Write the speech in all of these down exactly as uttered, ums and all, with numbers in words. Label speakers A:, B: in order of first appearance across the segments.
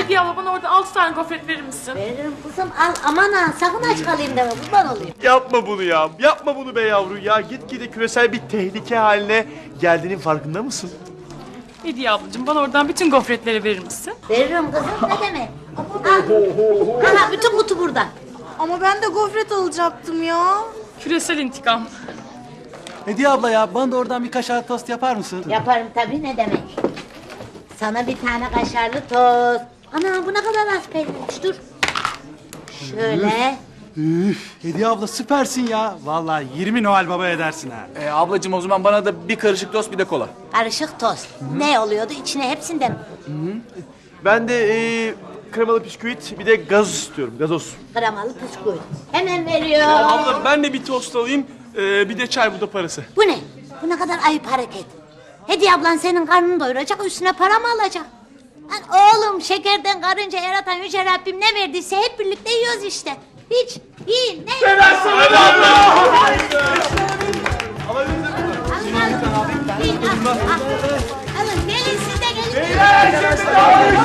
A: Hediye abla bana orada altı tane gofret verir misin?
B: Veririm kızım, al aman ha, sakın aç kalayım deme, kurban olayım.
C: Yapma bunu ya. Yapma bunu be yavru ya. Gitgide küresel bir tehlike haline geldiğinin farkında mısın?
A: Hediye ablacığım bana oradan bütün gofretleri verir misin?
B: Veririm kızım, ne demek? Al. Aha, bütün kutu burada.
D: Ama ben de gofret alacaktım ya.
A: Küresel intikam.
E: Hediye abla ya, bana da oradan bir kaşar tost yapar mısın?
B: Yaparım tabii, ne demek? Sana bir tane kaşarlı tost. Ana, bu ne kadar az peynirmiş, dur. Şöyle.
E: Üf, Hediye abla süpersin ya. Vallahi yirmi Noel Baba edersin ha.
F: Ee, ablacığım o zaman bana da bir karışık tost bir de kola.
B: Karışık tost. Ne oluyordu? İçine hepsinden mi?
C: Ben de ee, kremalı bisküvit bir de gazoz istiyorum. Gazoz.
B: Kremalı bisküvit. Hemen veriyor.
F: Abla ben de bir tost alayım, ee, bir de çay, bu da parası.
B: Bu ne? Bu ne kadar ayıp hareket. Hediye ablan senin karnını doyuracak, üstüne para mı alacak? Lan oğlum, şekerden karınca yaratan Yüce Rabbim ne verdiyse hep birlikte yiyoruz işte. Hiç, yiyin, ne? Ben aslanım abla! Alın, alın. Yiyin, al, al. Alın, gelin siz de gelin.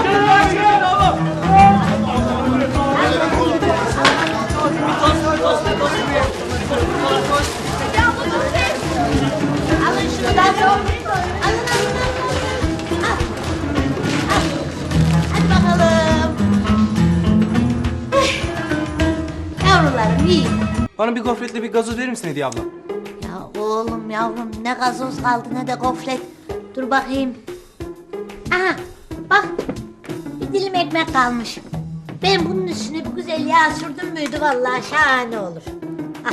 B: Alın şunu da. Alın, alın, alın. Al. Al. Hadi bakalım. Eh. Yavrularım yiyin.
E: Bana bir gofretle bir gazoz verir misin Hediye abla?
B: Ya oğlum yavrum, ne gazoz kaldı ne de gofret. Dur bakayım. Aha bak, bir dilim ekmek kalmış. Ben bunun üstüne bir güzel yağ sürdüm müydü vallahi şahane olur. Al.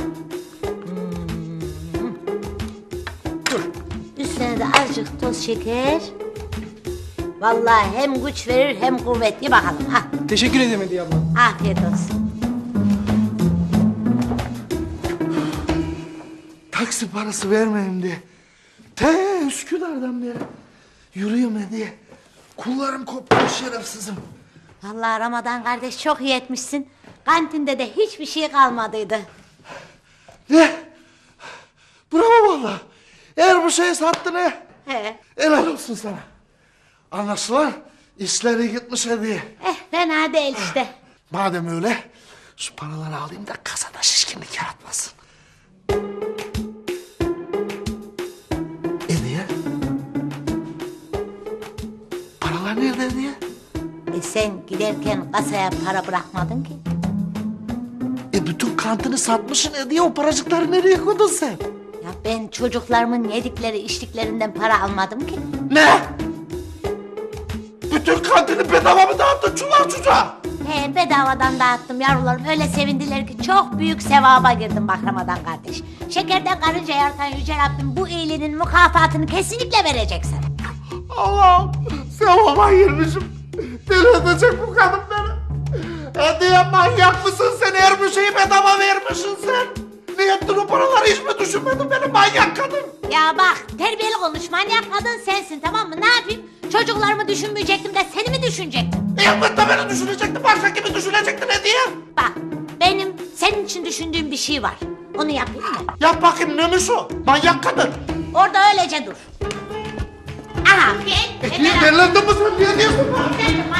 B: Hmm. Dur. Üstüne de azıcık toz şeker. Vallahi hem güç verir hem kuvvet. Ye bakalım. Ha.
E: Teşekkür ederim Hediye abla.
B: Afiyet olsun.
G: Taksi parası vermeyeyim diye. Te Üsküdar'dan beri yürüyorum diye. Kullarım kopmuş şerefsizim.
B: Vallahi Ramazan kardeş çok iyi etmişsin. Kantinde de hiçbir şey kalmadıydı.
G: Ne? Bravo vallahi. Eğer bu şeyi sattın he.
B: He.
G: Helal olsun sana. Anlaşılan işleri gitmiş hediye.
B: Eh fena değil işte.
G: Madem öyle şu paraları alayım da kasada şişkinlik yaratmasın. Hediye? Paralar nerede hediye?
B: E sen giderken kasaya para bırakmadın ki.
G: E bütün kantini satmışsın hediye, o paracıkları nereye koydun sen?
B: Ya ben çocuklarımın yedikleri içtiklerinden para almadım ki.
G: Ne? Bütün kantini bedava mı dağıttın çular çocuğa?
B: He, bedavadan dağıttım yavrularım. Öyle sevindiler ki çok büyük sevaba girdim bak Ramazan kardeş. Şekerden karınca yaratan Yüce Rabbim bu iyiliğinin mükafatını kesinlikle verecek sana.
G: Allah'ım sevaba girmişim. Deli edecek bu kadın beni. Hediye manyak mısın sen, her bir şeyi bedava vermişsin sen. Ne yaptın o paraları, hiç mi düşünmedin beni manyak kadın?
B: Ya bak, terbiyeli konuş, manyak kadın sensin tamam mı? Ne yapayım? Çocuklarımı düşünmeyecektim de seni mi düşünecektim?
G: Elbette beni düşünecektin, başka kimi düşünecektin hediye?
B: Bak, benim senin için düşündüğüm bir şey var. Onu yapayım mı?
G: Yap bakayım, neymiş o? Manyak kadın.
B: Orada öylece dur. Aha, gel.
G: Hediye delendin mi sen, niye diyorsun?
B: Gel.